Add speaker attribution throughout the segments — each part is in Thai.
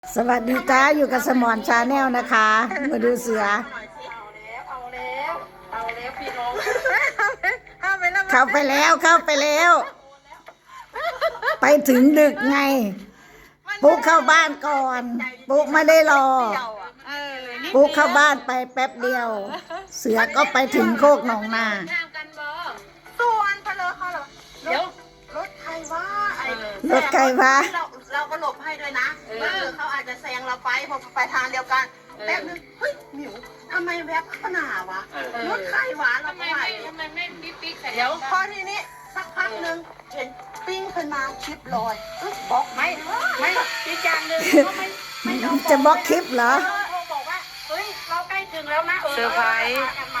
Speaker 1: สวัสดีจ้าอยู่กับสมอนชาแนลนะคะ มาดูเสือ
Speaker 2: เอาแล้วพี่น้อง
Speaker 1: เข้าไปแล้วไปถึงดึกไงปุ๊กเข้าบ้านก่อนปุ๊กไม่ได้รอปุ๊กเข้าบ้านไปแป๊บเดียว เสือก็ไปถึงโคกหนองนา
Speaker 2: ส่วนเพลอเขาเหรอเดี๋ยวรถใครวะเราก็หลบให้ด้วยนะเขาอาจจะแซงเราไปพอไปทางเดียวกันแป๊บนึงเฮ้ยหมิวทำไมแวบขนาวะรถใครวะเราก็ไหวทำไมไม่ปิ๊กเดี๋ยวพอทีนี้สักพักนึงเห็นปิ้งขึ้นมาคลิปลอยบอกไม่อีกอย่างหนึ่ง
Speaker 1: จะบล็อกคลิปเหรอ
Speaker 2: บอกว่าเฮ้ยเราใกล้ถึงแล้วนะ
Speaker 3: เซอร์ไพรส์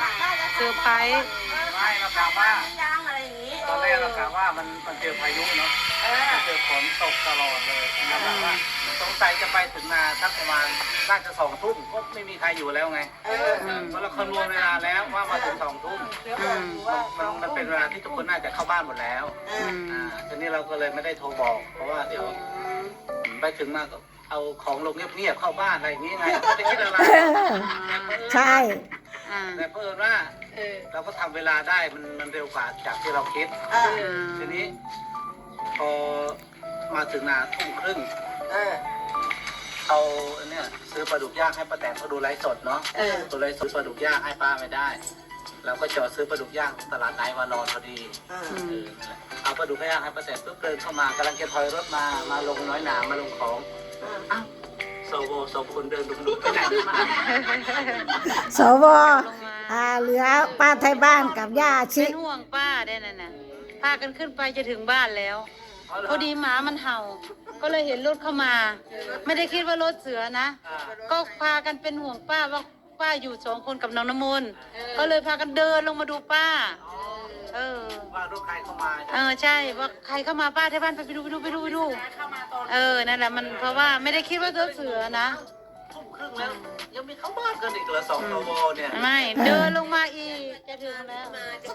Speaker 4: ไม่เรากล่าวว่า
Speaker 2: ย่างอะไรอย่างนี้
Speaker 4: ตอนแรกเรากล่าวว่ามันเจอพายุเนาะเจอฝนตกตลอดเลยเราแบบว่าสงสัยจะไปถึงนาสักประมาณน่าจะ2 ทุ่มก็ไม่มีใครอยู่แล้วไงเพราะเราคำนวณเวลาแล้วว่ามาถึง2 ทุ่มมันเป็นเวลาที่ทุกคนน่าจะเข้าบ้านหมดแล้วทีนี้เราก็เลยไม่ได้โทรบอกเพราะว่าเดี๋ยวไปถึงมาก็เอาของลงเงียบๆเข้าบ้านอะไรอย่างนี้ไงไม่ได้คิดอะไร
Speaker 1: ใช่
Speaker 4: แต่เพิ่มว่าเราก็ทำเวลาได้มันเร็วกว่าจากที่เราคิดทีนี้พอมาถึงนา 1:30เอาเนี่ยซื้อปลาดุกย่างให้ป้าแตนเขาดูไลฟ์สดเนาะตัวไลฟ์สดปลาดุกย่างให้ป้าไม่ได้เราก็จอดซื้อปลาดุกย่างตลาดไหนมานอนพอดีเอาปลาดุกย่างให้ป้าแตนปุ๊บเดินเข้ามากำลังจะถอยรถมาลงน้อยหนามาลงของอ้าวสวคนเดินดุไปไหนมา
Speaker 1: สวเหลือป้าไทยบ้านกับย่าชิ
Speaker 3: เป็นห่วงป้าได้นั่นน่ะพากันขึ้นไปจะถึงบ้านแล้วพอดีหมามันเห่าก็เลยเห็นรถเข้ามาไม่ได้คิดว่ารถเสือนะก็พากันเป็นห่วงป้าว่าป้าอยู่2 คนกับน้องน้ำมนต์ก็เลยพากันเดินลงมาดูป้า
Speaker 4: ว่ารถใครเข้ามา
Speaker 3: ใช่ว่าใครเข้ามาป้าที่บ้านไปดูนั่นแหละมันเพราะว่าไม่ได้คิดว่ารถเสือนะ
Speaker 4: 1:30แล้วยังมีเข้าบ้านกันอีกเหรอ2 โวเนี่ย
Speaker 3: ไม่เดินลงมาอีกจะถึงแล้ว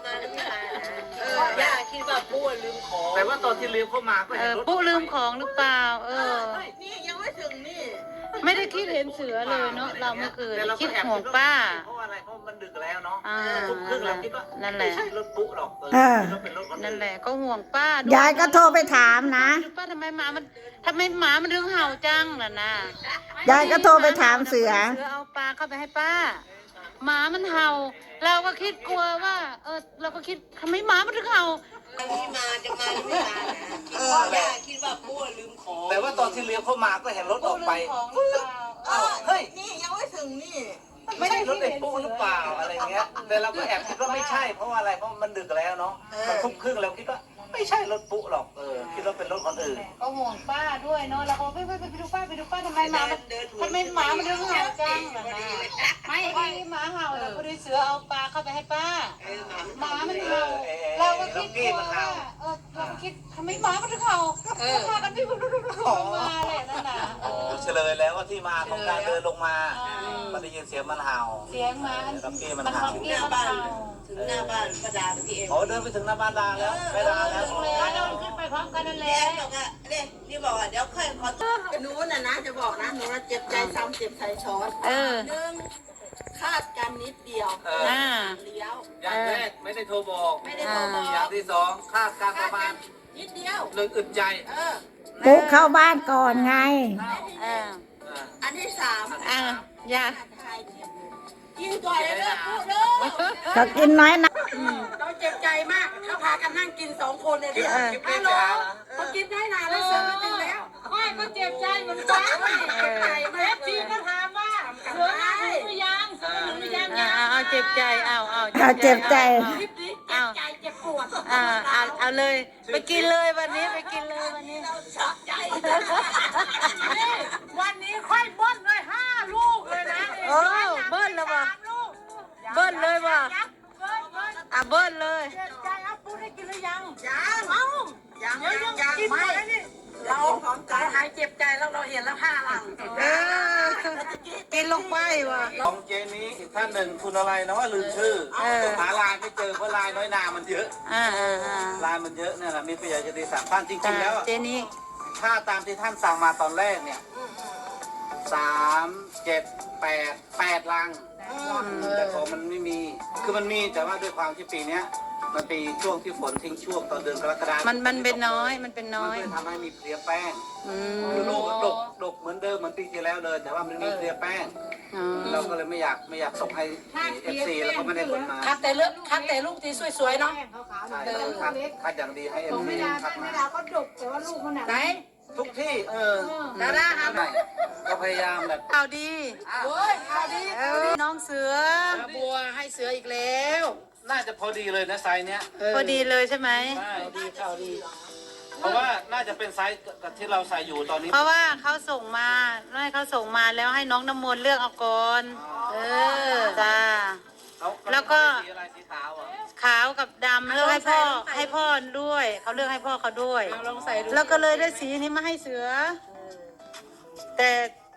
Speaker 2: ย่าคิดว่าปูลืมของ
Speaker 4: แต่ว่าตอนที่เลี้ยวเข้ามาก็เห็นรถ
Speaker 3: ปูลืมของหรือเปล่า
Speaker 2: นี่ยังไม่ถึงนี่
Speaker 3: ไม่ได้คิดเห็นเสือเลยเนาะเราเมื่อคืนคิดห่วงป้า
Speaker 4: เพราะอะไรเพราะมันดึกแล้วเนาะ1:30แล้วคิดว่า
Speaker 3: นั่นแหละ
Speaker 4: ไม่ใช่รถปุ๊หรอก
Speaker 3: นั่นแหละก็ห่วงป้าย
Speaker 1: ายก็โทรไปถามนะ
Speaker 3: ป้าทำไมหมามันถึงเห่าจังล่ะนะ
Speaker 1: ยายก็โทรไปถามเสือ
Speaker 3: เอาปลาเข้าไปให้ป้าหมามันเห่าเราก็คิดกลัวว่าเราก็คิดทำไมหมามันถึงเห่า
Speaker 2: จะมาหรือไม่มาย่าคิดว่าปูลืมของ
Speaker 4: แต่ว่าตอนที่เลี้ยวเข้ามาก็เห็นรถออกไป
Speaker 2: เฮ้ยนี่ยังไม่ถึงนี่
Speaker 4: ไม่ใช่รถเด็กปุ๊หรือเปล่าอะไรเงี้ยแต่เราก็แอบคิดว่าไม่ใช่เพราะว่าอะไรเพราะมันดึกแล้วเนาะมัน1:30แล้วคิดว่าไม่ใช่รถปุ๊หรอกคิดว่าเป็นรถคนอื่น
Speaker 3: ก็ห่วงป้าด้วยเนาะเราก็ไปดูป้าทำไมหมามันถึงเห่าจังไม่หมาเห่าแต่พอดีเสือเอาปลาเข้าไปให้ป้าหมามันเห่าเราก็คิดกลัวว่าเราก็คิดทำไมหมามันถึงเห่าพากันไปดูมาแหละนั่นน่ะ
Speaker 4: เฉลยแล้วว่าที่มาของการเดินลงมามันได้ยินเสียงมันเห่า
Speaker 3: เสียงหมา
Speaker 4: มันเห่า
Speaker 2: ถึงหน้าบ้านประดาพี่เอง
Speaker 4: เดินไปถึงหน้าบ้านดาแล้วไปดาแล้ว
Speaker 3: เราขึ้นไปพร้อมกันนั่นแหละ
Speaker 2: นี่บอกว่าเดี๋ยวค่อยขอหนูนะจะบอกนะหนูเจ็บใจซ้ำเจ็บใจช้อน1คาดกันนิดเดียวเลี้ยว
Speaker 4: อย่างแรกไม่ได้โทรบอกอย่างที่2คาดการประมาณ
Speaker 2: นิดเดียว
Speaker 4: 1อึดใจ
Speaker 1: ปุ๊กเข้าบ้านก่อนไง
Speaker 2: อันที่3
Speaker 3: อย่า
Speaker 2: กินก่อนเลยปุ๊เด้อ
Speaker 1: เขากินน้อยนะ
Speaker 2: เราเจ็บใจมากเขาพากันนั่งกิน2 คนเลยฮัลโหลเขากินได้นานแล้วเสือมาถึงแล้ว
Speaker 3: ไม่ก็เจ็บใจเหมือนกันทีก็ถามว่าเสือมาถึงหรือยังเอาเจ็บใจเอา
Speaker 1: เจ็บใจ
Speaker 2: เจ็บปวด
Speaker 3: เอาเลยไปกินเลยวันนี้ไปกินเลยวันนี้วันนี้ค่อยเบิ้ลเลย5 ลูกเลยนะเบิ้ลแล้วป่ะเบิ้ลเลยป่ะเบิ้ลเลย
Speaker 2: เจ็บใจเอาปูได้กินหรือยังยังกินไม่เราหายเจ็บใจแล้วเราเห็นแล้ว5 หลัง
Speaker 3: กินลงไปว่ะ
Speaker 4: ของเจนี้อีกท่านหนึ่งคุณอะไรนะว่าลืมชื่อหาลายไม่เจอเพราะลายน้อยนามันเยอะลายมันเยอะเนี่ยแหละมีประโยชน์จะดี3 ท่านจริงๆแล้ว
Speaker 3: เจนี้
Speaker 4: ถ้าตามที่ท่านสั่งมาตอนแรกเนี่ย 3 7 8ลังแต่ของมันไม่มีคือมันมีแต่ว่าด้วยความที่ปีเนี้ยมันปีช่วงที่ฝนทิ้งช่วงตอนเดือนกรกฎาคม
Speaker 3: มันเป็นน้อยมันเป็นน้อย
Speaker 4: มันเลยทำให้มีเพลียแป้ง
Speaker 3: อื
Speaker 4: คือ
Speaker 3: ม
Speaker 4: ลูกดกเหมือนเดิมเหมือนปีที่แล้วเลย แต่ว่ามันมีเพลียแป้ง
Speaker 3: อ๋อ
Speaker 4: เราก็เลยไม่อยากส่งให้ FC แล้วก็ไม่ได้ผลมา
Speaker 2: คัดแต่ลูกที่สวยๆเนาะ
Speaker 4: ใช่ต้องคัดอย่างดีให้
Speaker 3: ของ
Speaker 4: FC
Speaker 3: ไม่ดา
Speaker 4: คัด
Speaker 3: ไม่
Speaker 4: มา
Speaker 3: ดาก็ดกแต่ว่าลูกมันหนัก
Speaker 2: ไหน
Speaker 4: ทุกที่
Speaker 2: ดาราครับ
Speaker 4: ก็พยายามแบบ
Speaker 3: ข่าวดี
Speaker 2: โอ้ยเอาดี
Speaker 3: น้องเสือ
Speaker 2: บัวให้เสืออีกแล้ว
Speaker 4: น่าจะพอดีเลยนะไซส์เนี้ย
Speaker 3: พอดีเลยใช่ไหม
Speaker 4: ใช่ดีเข้าดี เพราะว่าน่าจะเป็นไซส์กับที่เราใส่อยู่ตอนนี้
Speaker 3: เพราะว่าเขาส่งมาให้เขาส่งมาแล้วให้น้องน้ำมนต์เลือกเอาก่อนจ้า แล้วก็
Speaker 4: สีอะไรสีขาวอ่ะ
Speaker 3: ขาวกับดำเลือกให้พ่อด้วยเขาเลือกให้พ่อเขาด้วย
Speaker 2: เอาลองใส่ดู
Speaker 3: แล้วก็เลยได้สีนี้มาให้เสือ แต่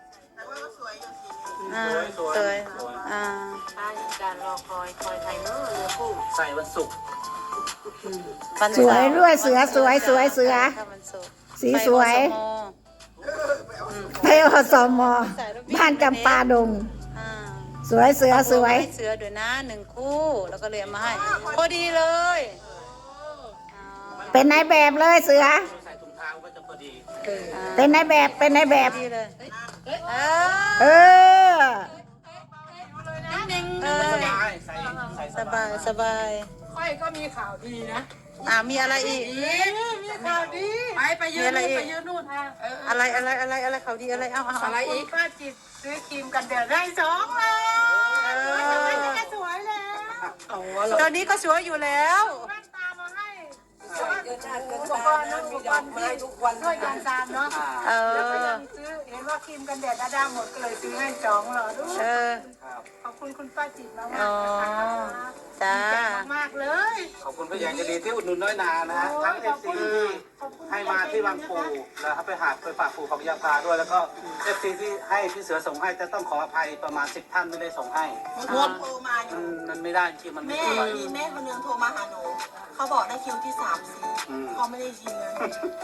Speaker 3: อ่าสวยอ่า
Speaker 2: การรอคอยไทยเนอะเรือคู่
Speaker 4: ใส่วันศุกร์
Speaker 3: วัน
Speaker 1: สวยด้วยเสือสวยเสือ
Speaker 3: ถ้าวันศุกร์
Speaker 1: สีสวย
Speaker 3: ไปอสม
Speaker 1: ไปอสมบ้านจำปาดง
Speaker 3: อ่า
Speaker 1: สวยเสือสวย
Speaker 3: ให้เสือด้วยนะ1 คู่แล้วก็เลยเอามาให้ พอดีเลย
Speaker 1: เป็นนายแบบเลยเสือ
Speaker 4: ใส่ถุงเท้าก็จะพอดี
Speaker 1: เป็นนายแบบเป็นนายแบบ
Speaker 3: ดีเลยเอ
Speaker 1: เออ
Speaker 3: เออ
Speaker 4: สบายใส่
Speaker 3: สบายสบาย
Speaker 2: ค่อยก็มีข่าวดีนะ
Speaker 3: มีอะไรอีก
Speaker 2: มีข่าวดีไปยืนนู่นไปยืนนู่น
Speaker 3: อะไรเขาดีอะไรเอา
Speaker 2: อะไรอีกป้าจิตซื้อครีมกันแดดได้2เลยสวยแล้ว
Speaker 3: ตอนนี้ก็สวยอยู่แล้ว
Speaker 2: แว่นตามาให้อุปกรณ์ทุกวันด้วยกันตามเนาะ
Speaker 3: เอ
Speaker 2: แล้วก็
Speaker 3: อ
Speaker 2: ยังซื้อเห็นว่าครีมกันแดดดาหมดก็เลยซื้อให้2หลอดด้วย
Speaker 3: เออ
Speaker 2: ขอบคุณคุณป้าจิตมาก
Speaker 3: อ๋อ
Speaker 2: ๆ
Speaker 3: จ้า
Speaker 2: มากเลย
Speaker 4: ขอบคุณพยานจะดีที่อุดหนุนน้อยนานะฮะทั้ง FC ที่ให้มาที่บางปูแล้วไปหาไปฝากปู่ของยาพาด้วยแล้วก็ FC ที่ให้พี่เสือส่งให้จะต้องขออภัยประมาณ10 ท่านไม่ได้ส่งให้
Speaker 2: โทรมาอยู่
Speaker 4: มันไม่ได้ที่มันไม่
Speaker 2: แม่
Speaker 4: ได้
Speaker 2: มีแม่คนนึงโทรมาหาหนู เขาบอกได้คิวที่3-4เขาไม่ได้ยินเลย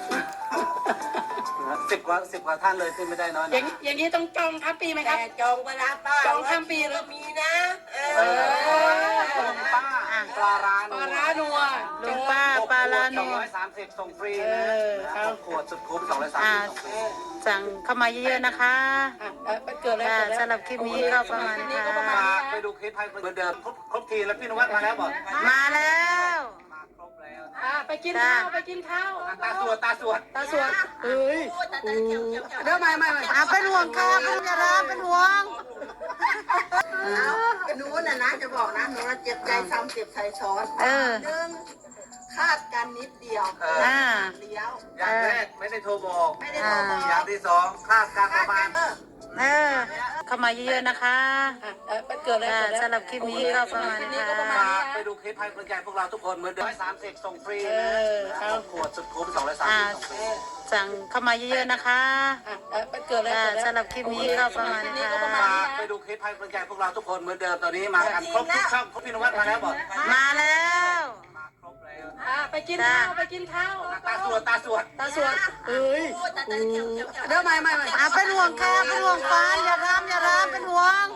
Speaker 4: 10 กว่าท่านเลยที่ไม่ได้น้อยนะ
Speaker 2: อย่างนี้ต้องจองทั้งปีไหมครับจองเวลาป้าจองทั้งปีแล้วมีนะ
Speaker 4: คุณป้าปลาร้าน
Speaker 2: ปลาร้านัว
Speaker 3: ลุงป้าปลาลาโน
Speaker 4: 230ส่งฟรีนะขวดสุดคุ้ม230ส่งฟรี
Speaker 3: สั่งเข้ามาเยอะๆนะคะ
Speaker 2: เกิดอะไร
Speaker 3: จ้าสำหรับคลิปนี้ก็ประมาณนี้ค่ะ
Speaker 4: ฝากไปดูคลิปให้เหมือนเดิมครบทีแล้วพี่นวัดมาแล้วบอก
Speaker 3: มาแล้ว
Speaker 4: มาครบแล้ว
Speaker 2: ไปกินข้าวไปกินข้าว
Speaker 4: ตาสวด
Speaker 2: ตาสวดเฮ้ยเดี๋ยวไม่
Speaker 3: เป็นห่วงค่ะเป็นอย่าร้าเป็นห่วง
Speaker 2: หนูน่ะนะจะบอกนะหนูเจ็บใจซ้ำเจ็บใจช้อน
Speaker 3: เออ
Speaker 2: คาดกันนิดเดียว เลี้ยว
Speaker 4: อย่างแรกไม่ได้โทรบอก
Speaker 2: ไม่ได้โทรบอก
Speaker 4: อย่างที่สองคาดการประมาณ
Speaker 3: เออ เข้ามาเยอะๆนะคะ
Speaker 2: เกิดอะไร
Speaker 3: จ้าสำหรับคลิปนี้ก็ประมาณนี้ค่ะ
Speaker 4: ฝากไปดูคลิปให้กำลังใจพวกเราทุกคนเหมือนเดิม130ส่งฟรีนะขวดสุดคุ้ม230ส่งฟรี
Speaker 3: สั่งเข้ามาเยอะๆนะคะ
Speaker 2: เกิดอะไร
Speaker 3: จ้าสำหรับคลิปนี้ก็ประมาณนี้ค่ะ
Speaker 4: ฝากไปดูคลิปให้กำลังใจพวกเราทุกคนเหมือนเดิมตอนนี้มากันครบทุกช่องครบพี่นวัดมาแล้วบอก
Speaker 3: มาแล้ว
Speaker 4: มาครบแล้ว
Speaker 2: ไปกินข้าวไปกินข้าว
Speaker 4: ตาสวด
Speaker 2: ตาสวดเฮ้ยเดี๋ยวไม่
Speaker 3: เป็นห่วงค่ะเป็นห่วงฟานอย่าร้ามเป็นห่วง